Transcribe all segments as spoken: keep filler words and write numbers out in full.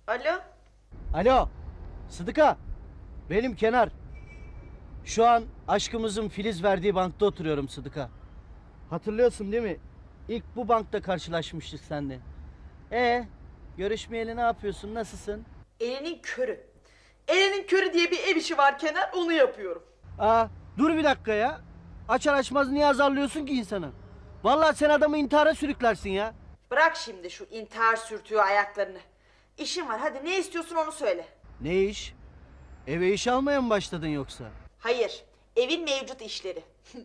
Alo? Alo, Sıdıka. Benim Kenar. Şu an aşkımızın Filiz verdiği bankta oturuyorum Sıdıka. Hatırlıyorsun değil mi? İlk bu bankta karşılaşmıştık seninle. Ee, görüşmeyeli ne yapıyorsun, nasılsın? Elinin körü. Elinin körü diye bir ev işi var Kenar, onu yapıyorum. Aa, dur bir dakika ya. Açar açmaz niye azarlıyorsun ki insanı? Vallahi sen adamı intihara sürüklersin ya. Bırak şimdi şu intihar sürtüğü ayaklarını. İşim var, hadi ne istiyorsun onu söyle. Ne iş? Eve iş almaya mı başladın yoksa? Hayır, evin mevcut işleri.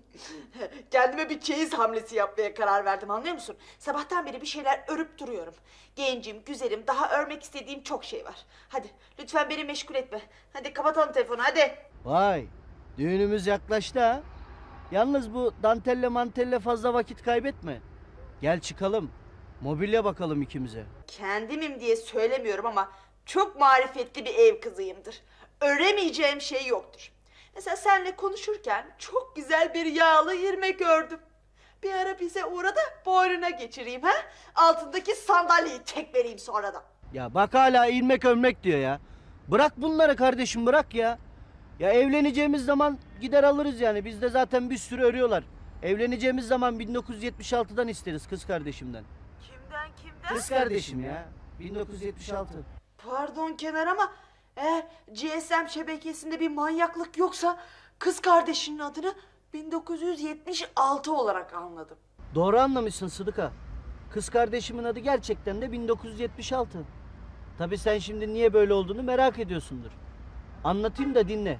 Kendime bir çeyiz hamlesi yapmaya karar verdim, anlıyor musun? Sabahtan beri bir şeyler örüp duruyorum. Gencim, güzelim, daha örmek istediğim çok şey var. Hadi lütfen beni meşgul etme. Hadi kapatalım telefonu, hadi. Vay, düğünümüz yaklaştı ha. Yalnız bu dantelle mantelle fazla vakit kaybetme. Gel çıkalım. Mobilya bakalım ikimize. Kendimim diye söylemiyorum ama çok marifetli bir ev kızıyımdır. Öremeyeceğim şey yoktur. Mesela seninle konuşurken çok güzel bir yağlı irmik gördüm. Bir ara bize uğra da boynuna geçireyim ha. Altındaki sandalyeyi tek vereyim sonra da. Ya bak hala ilmek ölmek diyor ya. Bırak bunları kardeşim, bırak ya. Ya evleneceğimiz zaman gider alırız yani. Bizde zaten bir sürü örüyorlar. Evleneceğimiz zaman bin dokuz yüz yetmiş altıdan isteriz kız kardeşimden. Kimden kimden? Kız kardeşim ya. bin dokuz yüz yetmiş altı. Pardon Kenar ama eğer G S M şebekesinde bir manyaklık yoksa kız kardeşinin adını bin dokuz yüz yetmiş altı olarak anladım. Doğru anlamışsın Sıdıka. Kız kardeşimin adı gerçekten de bin dokuz yüz yetmiş altı. Tabii sen şimdi niye böyle olduğunu merak ediyorsundur. Anlatayım da dinle.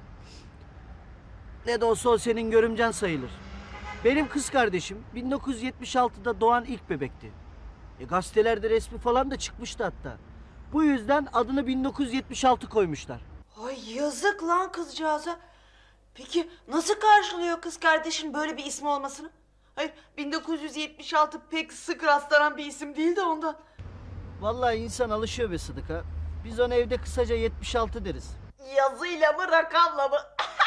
Ne de olsa o senin görümcen sayılır. Benim kız kardeşim bin dokuz yüz yetmiş altıda doğan ilk bebekti. E, gazetelerde resmi falan da çıkmıştı hatta. Bu yüzden adını bin dokuz yüz yetmiş altı koymuşlar. Ay yazık lan kızcağıza. Peki nasıl karşılıyor kız kardeşin böyle bir ismi olmasını? Hayır, bin dokuz yüz yetmiş altı pek sık rastlanan bir isim değil de ondan. Vallahi insan alışıyor be Sıdıka. Biz ona evde kısaca yetmiş altı deriz. Yazıyla mı rakamla mı?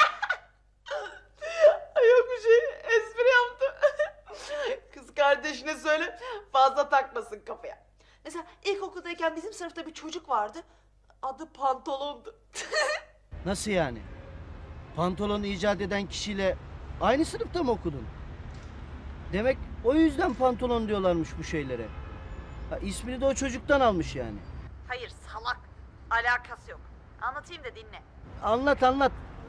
Ay yok bir şey, espri yaptım. Kız kardeşine söyle fazla takmasın kafaya. Mesela ilkokuldayken bizim sınıfta bir çocuk vardı. Adı Pantolon'du. Nasıl yani? Pantolonu icat eden kişiyle aynı sınıfta mı okudun? Demek o yüzden pantolon diyorlarmış bu şeylere. Ha, ismini de o çocuktan almış yani. Hayır salak. Alakası yok. Anlatayım da dinle. Anlat anlat.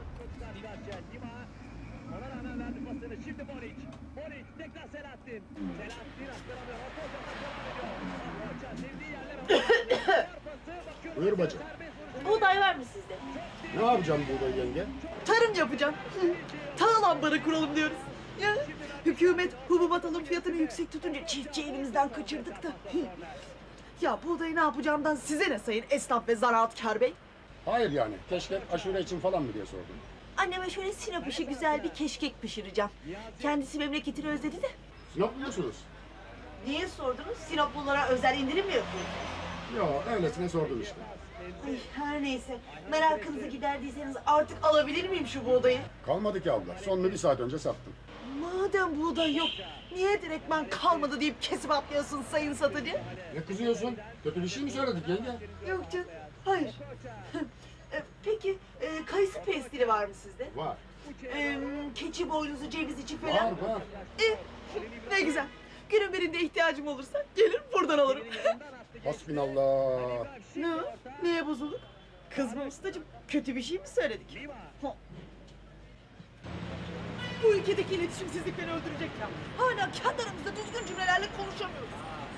Ona rağmen verdi pasını. Şimdi Moric. Moric tekrar Selahattin. Selahattin aktaramıyor. Orta uzaktan devam ediyor. Orta sevdiği yerlere pası. Buyur bacım. Buğday var mı sizde? Ne yapacağım burada yenge? Tarım yapacağım. Tahıl ambarı kuralım diyoruz. Ya, hükümet hububat alım fiyatını yüksek tutunca çiftçi elimizden kaçırdık da. Ya buğdayı ne yapacağımdan size ne sayın esnaf ve zanaatkar bey? Hayır yani. Keşke aşure için falan mı diye sordum. Anneme şöyle Sinop işi güzel bir keşkek pişireceğim. Kendisi memleketini özledi de. Sinop biliyorsunuz. Niye sordunuz? Sinoplulara özel indirim mi yapıyorsunuz? Yo öylesine sordum işte. Ay, her neyse. Merakınızı giderdiyseniz artık alabilir miyim şu buğdayı? Kalmadı ki abla. Sonunu bir saat önce sattım. Madem buğday yok, niye direktmen kalmadı deyip kesip atlıyorsun sayın satıcı? Ne kızıyorsun? Kötü bir şey mi söyledik yenge? Yok canım, hayır. E, Peki, e, kayısı pestili var mı sizde? Var. E, keçi boynuzu, ceviz içi falan? Var var. E, ne güzel. Günün birinde ihtiyacım olursa gelir buradan alırım. Hasbinallah. Ne o? Neye bozulduk? Kızma ustacığım, kötü bir şey mi söyledik? Ha. Bu ülkedeki iletişimsizlik beni öldürecek ya. Hala kendi aramızda düzgün cümlelerle konuşamıyoruz.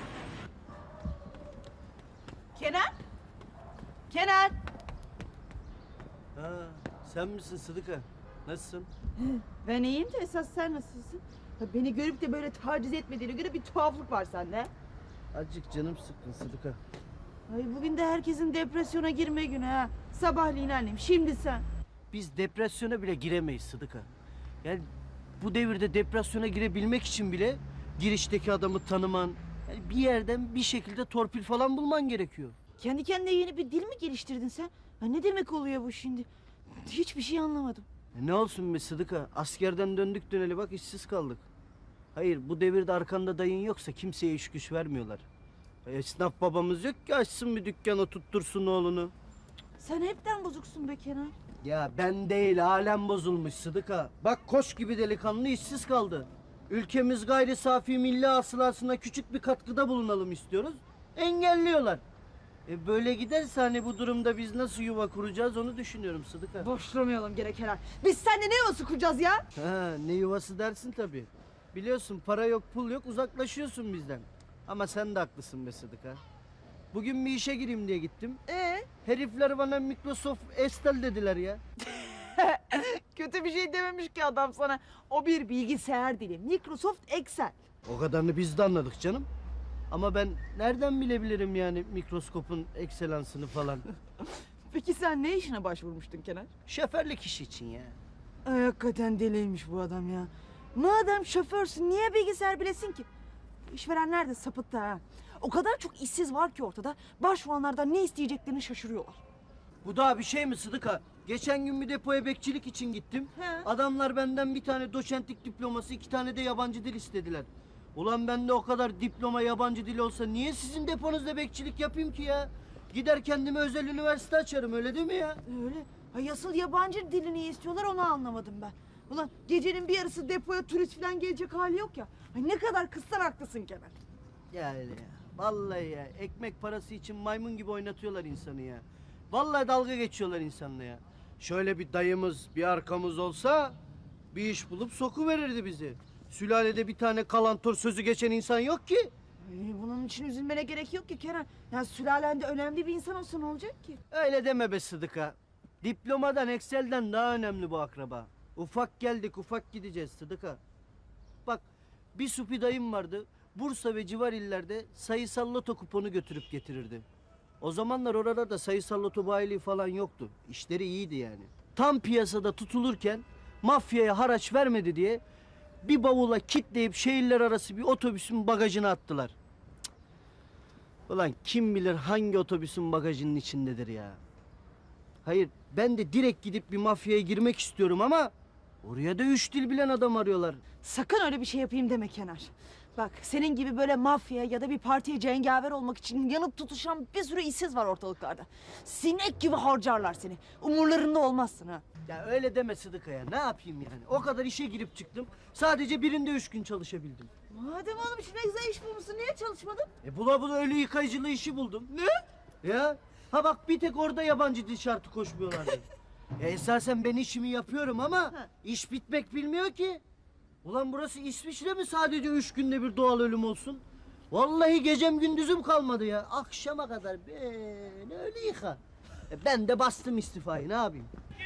Kenan? Kenan? Ha, sen misin Sıdıka? Nasılsın? Ben iyiyim de esas sen nasılsın? Ha, beni görüp de böyle taciz etmediğine göre bir tuhaflık var sende. Azıcık canım sıkkın Sıdıka. Ay bugün de herkesin depresyona girme günü ha. Sabahleyin annem, şimdi sen. Biz depresyona bile giremeyiz Sıdıka. Yani bu devirde depresyona girebilmek için bile girişteki adamı tanıman, yani bir yerden bir şekilde torpil falan bulman gerekiyor. Kendi kendine yeni bir dil mi geliştirdin sen? Ha, ne demek oluyor bu şimdi? Hiçbir şey anlamadım. E ne olsun be Sıdıka, askerden döndük döneli bak işsiz kaldık. Hayır, bu devirde arkanda dayın yoksa kimseye iş güç vermiyorlar. Esnaf babamız yok ki açsın bir dükkan oturttursun oğlunu. Sen hepten bozuksun be Kenar. Ya ben değil alem bozulmuş Sıdıka. Bak koç gibi delikanlı işsiz kaldı. Ülkemiz gayri safi milli hasılasına küçük bir katkıda bulunalım istiyoruz. Engelliyorlar. E böyle giderse hani bu durumda biz nasıl yuva kuracağız onu düşünüyorum Sıdıka. Boşlamayalım gene Kenar. Biz seninle ne yuvası kuracağız ya? Ha, ne yuvası dersin tabii. Biliyorsun para yok pul yok uzaklaşıyorsun bizden. Ama sen de haklısın be Sıdıka. Bugün bir işe gireyim diye gittim. Ee, Herifler bana Microsoft Excel dediler ya. kötü bir şey dememiş ki adam sana. O bir bilgisayar dili. Microsoft Excel. O kadarını biz de anladık canım. Ama ben nereden bilebilirim yani mikroskopun ekselansını falan. Peki sen ne işine başvurmuştun Kenar? Şoförlük işi için ya. Ay, hakikaten deliymiş bu adam ya. Madem şoförsün niye bilgisayar bilesin ki? Bu İşverenler de sapıttı ha. O kadar çok işsiz var ki ortada. Başvuranlardan ne isteyeceklerini şaşırıyorlar. Bu daha bir şey mi Sıdıka? Geçen gün bir depoya bekçilik için gittim. He. Adamlar benden bir tane doçentlik diploması, iki tane de yabancı dil istediler. Ulan bende o kadar diploma yabancı dil olsa niye sizin deponuzda bekçilik yapayım ki ya? Gider kendime özel üniversite açarım öyle değil mi ya? Öyle. Ha, asıl yabancı dilini istiyorlar onu anlamadım ben. Ulan gecenin bir yarısı depoya turist falan gelecek hali yok ya. Ay, ne kadar kızsan haklısın Kenar. Ya öyle ya. Vallahi ya ekmek parası için maymun gibi oynatıyorlar insanı ya. Vallahi dalga geçiyorlar insanla ya. Şöyle bir dayımız, bir arkamız olsa bir iş bulup sokuverirdi bizi. Sülalede bir tane kalantor sözü geçen insan yok ki. Ay, bunun için üzülmene gerek yok ki Kenan. Ya sülalende önemli bir insan olsa ne olacak ki? Öyle deme be Sıdıka. Diplomadan, Excel'den daha önemli bu akraba. Ufak geldik, ufak gideceğiz Sıdıka. Bak, bir supi dayım vardı. Bursa ve civar illerde sayısal loto kuponu götürüp getirirdi. O zamanlar oralarda sayısal loto bayiliği falan yoktu. İşleri iyiydi yani. Tam piyasada tutulurken mafyaya haraç vermedi diye bir bavula kitleyip şehirler arası bir otobüsün bagajına attılar. Cık. Ulan kim bilir hangi otobüsün bagajının içindedir ya. Hayır ben de direkt gidip bir mafyaya girmek istiyorum ama oraya da üç dil bilen adam arıyorlar. Sakın öyle bir şey yapayım deme Kenar. Bak senin gibi böyle mafya ya da bir partiye cengaver olmak için yanıp tutuşan bir sürü işsiz var ortalıklarda. Sinek gibi harcarlar seni. Umurlarında olmazsın ha. Ya öyle deme Sıdıka ya. Ne yapayım yani? O kadar işe girip çıktım. Sadece birinde üç gün çalışabildim. Madem oğlum şu ne güzel iş bulmuşsun niye çalışmadın? E bula bula ölü yıkayıcılığı işi buldum. Ne? Ya. Ha bak bir tek orada yabancı dil şartı koşmuyorlardı. e esasen ben işimi yapıyorum ama Ha. iş bitmek bilmiyor ki. Ulan burası İsviçre mi sadece üç günde bir doğal ölüm olsun? Vallahi gecem gündüzüm kalmadı ya. Akşama kadar böyle öyle yıka. E ben de bastım istifayı ne yapayım?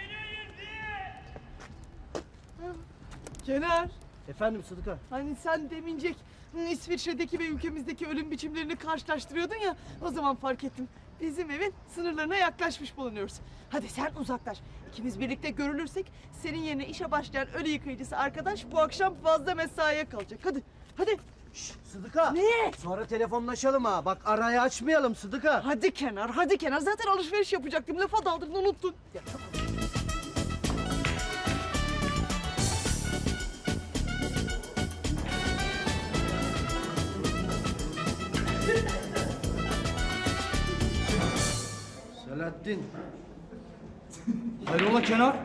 Kenar. Efendim Sıdıka. Hani sen demincek İsviçre'deki ve ülkemizdeki ölüm biçimlerini karşılaştırıyordun ya. O zaman fark ettim. Bizim evin sınırlarına yaklaşmış bulunuyoruz. Hadi sen uzaklaş. İkimiz birlikte görülürsek senin yerine işe başlayan ölü yıkayıcısı arkadaş bu akşam fazla mesaiye kalacak. Hadi, hadi. Şşş Sıdıka. Ne? Sonra telefonlaşalım ha. Bak arayı açmayalım Sıdıka. Hadi Kenar, hadi Kenar. Zaten alışveriş yapacaktım. Lafa daldın, unuttun. Ya, tamam. Selahattin. Hayrola Kenar?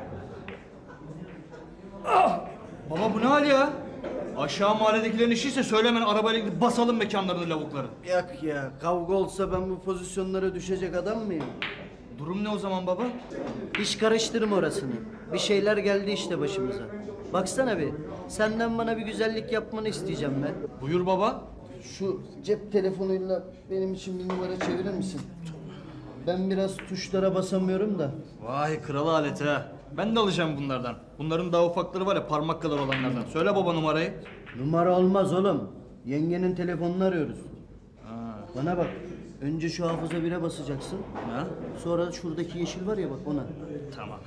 Ah! Baba bu ne hal ya? Aşağı mahalledekilerin işiyse söylemen arabayla gidip basalım mekanlarını lavukların. Yok ya kavga olsa ben bu pozisyonlara düşecek adam mıyım? Durum ne o zaman baba? İş karıştırma orasını. Bir şeyler geldi işte başımıza. Baksana bir. Senden bana bir güzellik yapmanı isteyeceğim ben. Buyur baba. Şu cep telefonuyla benim için bir numara çevirir misin? Ben biraz tuşlara basamıyorum da. Vay kral aleti ha. Ben de alacağım bunlardan. Bunların daha ufakları var ya parmak kadar olanlardan. Söyle baba numarayı. Numara olmaz oğlum. Yengenin telefonunu arıyoruz. Ha. Bana bak. Önce şu hafıza bire basacaksın. Ha? Sonra şuradaki yeşil var ya bak ona. Tamam.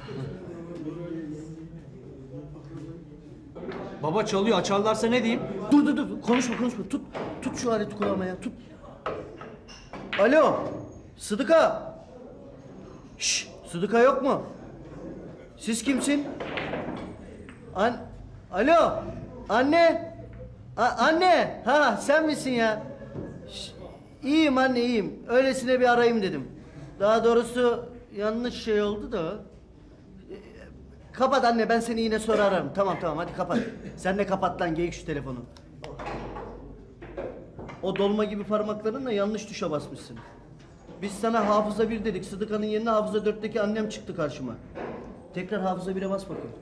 Baba çalıyor açarlarsa ne diyeyim? Dur dur dur konuşma konuşma tut tut şu aleti kulağıma ya tut. Alo Sıdıka. Şş Sıdıka yok mu? Siz kimsin? An Alo anne. A- anne ha sen misin ya? Şş, İyiyim anne iyiyim. Öylesine bir arayayım dedim. Daha doğrusu yanlış şey oldu da. Ee, Kapat anne ben seni yine sonra ararım. Tamam tamam hadi kapat. Sen de kapat lan geyik şu telefonu. O dolma gibi parmaklarınla yanlış tuşa basmışsın. Biz sana hafıza bir dedik. Sıdıka'nın yerine hafıza dörtteki annem çıktı karşıma. Tekrar hafıza bire bas bakayım.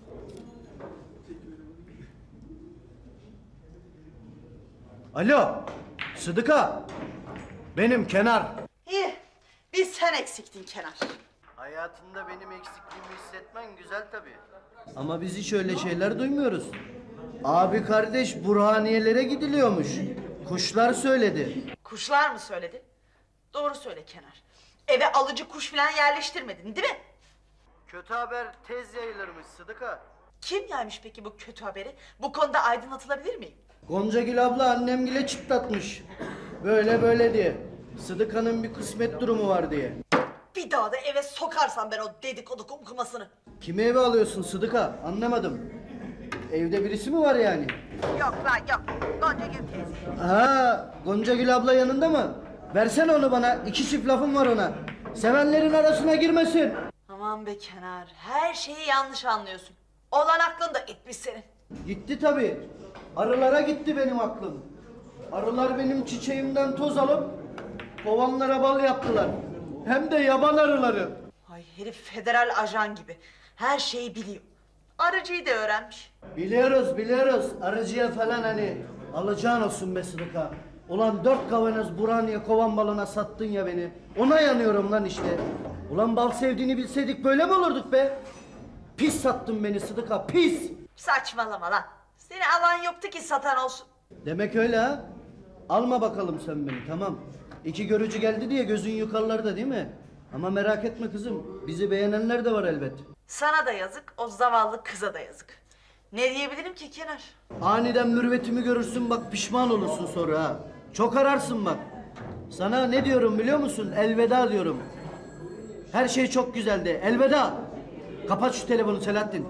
Alo, Sıdıka. Benim Kenar. İyi. Bir sen eksiktin Kenar. Hayatında benim eksikliğimi hissetmen güzel tabii. Ama biz hiç öyle şeyler duymuyoruz. Abi kardeş Burhaniye'lere gidiliyormuş. Kuşlar söyledi. Kuşlar mı söyledi? Doğru söyle Kenar. Eve alıcı kuş falan yerleştirmedin değil mi? Kötü haber tez yayılırmış Sıdıka. Kim yaymış peki bu kötü haberi? Bu konuda aydınlatılabilir miyim? Goncagül abla annemgile çıtlatmış. Böyle böyle diye. Sıdıka'nın bir kısmet durumu var diye. Bir daha da eve sokarsam ben o dedikodu kumkumasını. Kimi eve alıyorsun Sıdıka? Anlamadım. Evde birisi mi var yani? Yok lan yok. Gonca Gül teyze. Ha, Goncagül abla yanında mı? Versene onu bana. İki çift lafım var ona. Sevenlerin arasına girmesin. Aman be Kenar. Her şeyi yanlış anlıyorsun. Olan aklın da gitmiş senin. Gitti tabii. Arılara gitti benim aklım. Arılar benim çiçeğimden toz alıp kovanlara bal yaptılar. Hem de yaban arıları. Ay herif federal ajan gibi. Her şeyi biliyor. Arıcıyı da öğrenmiş. Biliyoruz biliyoruz. Arıcıya falan hani alacağın olsun be Sıdıka. Ulan dört kavanoz Burhaniye kovan balına sattın ya beni. Ona yanıyorum lan işte. Ulan bal sevdiğini bilseydik böyle mi olurduk be? Pis sattın beni Sıdıka pis. Saçmalama lan. Seni alan yoktu ki satan olsun. Demek öyle ha. Alma bakalım sen beni tamam. İki görücü geldi diye gözün yukarılarda değil mi? Ama merak etme kızım. Bizi beğenenler de var elbet. Sana da yazık, o zavallı kıza da yazık. Ne diyebilirim ki Kenar? Aniden mürüvvetimi görürsün bak pişman olursun sonra ha. Çok ararsın bak. Sana ne diyorum biliyor musun? Elveda diyorum. Her şey çok güzeldi. Elveda. Kapat şu telefonu Selahattin.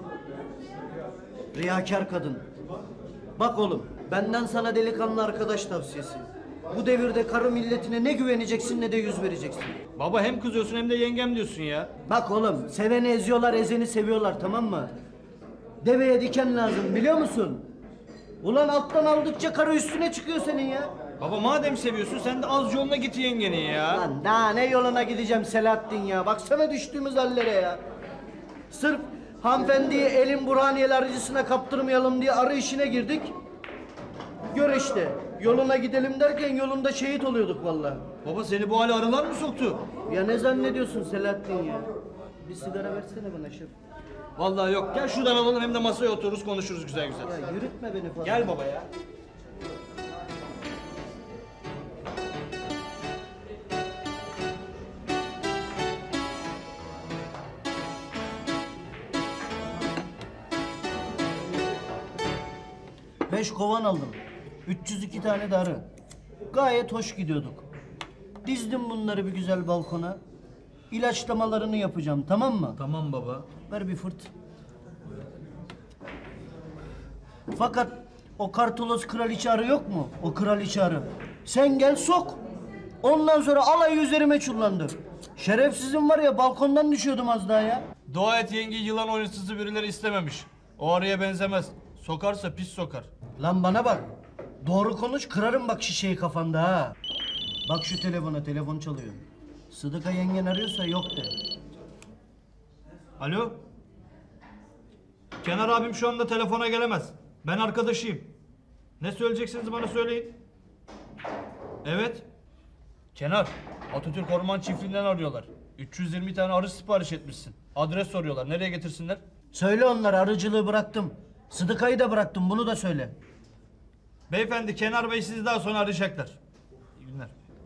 Riyakar kadın. Bak oğlum benden sana delikanlı arkadaş tavsiyesi. Bu devirde karı milletine ne güveneceksin ne de yüz vereceksin. Baba hem kızıyorsun hem de yengem diyorsun ya. Bak oğlum seveni eziyorlar ezeni seviyorlar tamam mı? Deveye diken lazım biliyor musun? Ulan alttan aldıkça karı üstüne çıkıyor senin ya. Baba madem seviyorsun sen de az yoluna git yengenin ya. Lan daha ne yoluna gideceğim Selahattin ya. Baksana düştüğümüz hallere ya. Sırf hanımefendiyi elin Burhaniye'li arıcısına kaptırmayalım diye arı işine girdik. Gör işte yoluna gidelim derken yolunda şehit oluyorduk vallahi. Baba seni bu hale arılar mı soktu? Ya ne zannediyorsun Selahattin ya? Bir sigara versene bana şef. Vallahi yok. Gel şuradan alalım hem de masaya otururuz konuşuruz güzel güzel. Ya yürütme beni falan. Gel baba ya. Beş kovan aldım. üç yüz iki tane de arı. Gayet hoş gidiyorduk. Dizdim bunları bir güzel balkona. İlaçlamalarını yapacağım tamam mı? Tamam baba. Ver bir fırt. Fakat o kartolos kraliçe arı yok mu? O kraliçe arı. Sen gel sok. Ondan sonra alayı üzerime çullandı. Şerefsizim var ya balkondan düşüyordum az daha ya. Dua et yenge yılan oyuncusu birileri istememiş. O arıya benzemez. Sokarsa pis sokar. Lan bana bak. Doğru konuş kırarım bak şişeyi kafanda ha. Bak şu telefona telefon çalıyor. Sıdıka yengen arıyorsa yok de. Alo? Kenar abim şu anda telefona gelemez. Ben arkadaşıyım. Ne söyleyeceksiniz bana söyleyin. Evet. Kenar, Atatürk Orman Çiftliği'nden arıyorlar. üç yüz yirmi tane arı sipariş etmişsin. Adres soruyorlar. Nereye getirsinler? Söyle onlara arıcılığı bıraktım. Sıdıkayı da bıraktım bunu da söyle. Beyefendi Kenar Bey sizi daha sonra arayacaklar. İyi günler.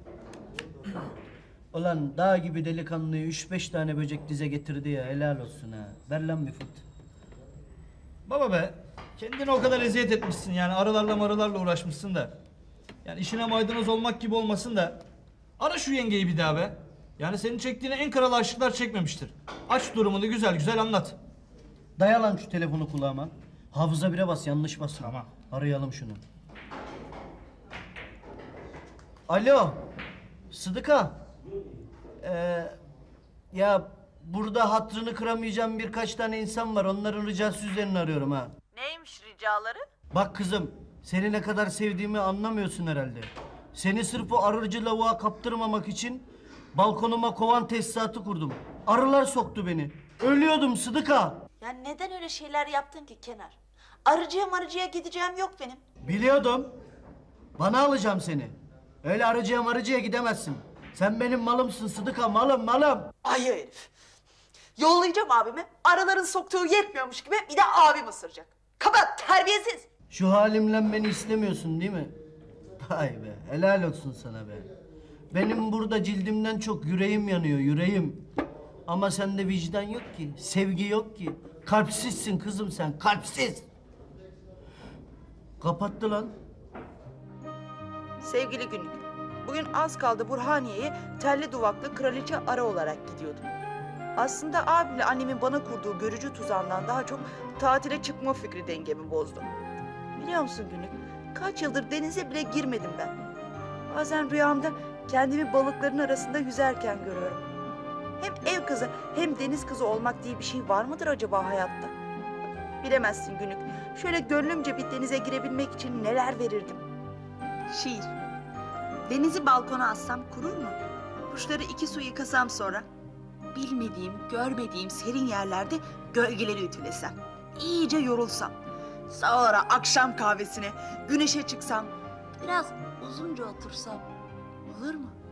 Ulan dağ gibi delikanlıyı üç beş tane böcek dize getirdi ya helal olsun ha. Ver lan bir fırt. Baba be, kendine o kadar eziyet etmişsin yani arılarla marılarla uğraşmışsın da. Yani işine maydanoz olmak gibi olmasın da. Ara şu yengeyi bir daha be. Yani senin çektiğine en kral aşıklar çekmemiştir. Aç durumunu güzel güzel anlat. Daya lan şu telefonu kulağıma. Hafıza bire bas yanlış basma. Tamam. Arayalım şunu. Alo. Sıdıka. Ee, ya burada hatrını kıramayacağım birkaç tane insan var. Onların ricası üzerine arıyorum ha. Neymiş ricaları? Bak kızım, seni ne kadar sevdiğimi anlamıyorsun herhalde. Seni sırf o arıcı lavuğa kaptırmamak için balkonuma kovan tesisatı kurdum. Arılar soktu beni. Ölüyordum Sıdıka. Ya neden öyle şeyler yaptın ki Kenar? Arıcıya marıcıya gideceğim yok benim. Biliyordum. Bana alacağım seni. Öyle arıcıya marıcıya gidemezsin. Sen benim malımsın Sıdıka, malım malım. Ay herif. Yollayacağım abimi. Arıların soktuğu yetmiyormuş gibi bir de abim ısıracak. Kapat terbiyesiz. Şu halimle beni istemiyorsun değil mi? Vay be, helal olsun sana be. Benim burada cildimden çok yüreğim yanıyor, yüreğim. Ama sende vicdan yok ki, sevgi yok ki. Kalpsizsin kızım sen, kalpsiz. Kapattı lan. Sevgili günlük. Bugün az kaldı Burhaniye'ye telli duvaklı kraliçe arı olarak gidiyordum. Aslında abimle annemin bana kurduğu görücü tuzağından daha çok tatile çıkma fikri dengemi bozdu. Biliyor musun günlük? Kaç yıldır denize bile girmedim ben. Bazen rüyamda kendimi balıkların arasında yüzerken görüyorum. Hem ev kızı hem deniz kızı olmak diye bir şey var mıdır acaba hayatta? Bilemezsin günlük. Şöyle gönlümce bir denize girebilmek için neler verirdim. Şiir. Denizi balkona assam kurur mu? Kuşları iki su yıkasam sonra. Bilmediğim, görmediğim serin yerlerde gölgeleri ütülesem. İyice yorulsam. Sonra akşam kahvesine, güneşe çıksam. Biraz uzunca otursam olur mu?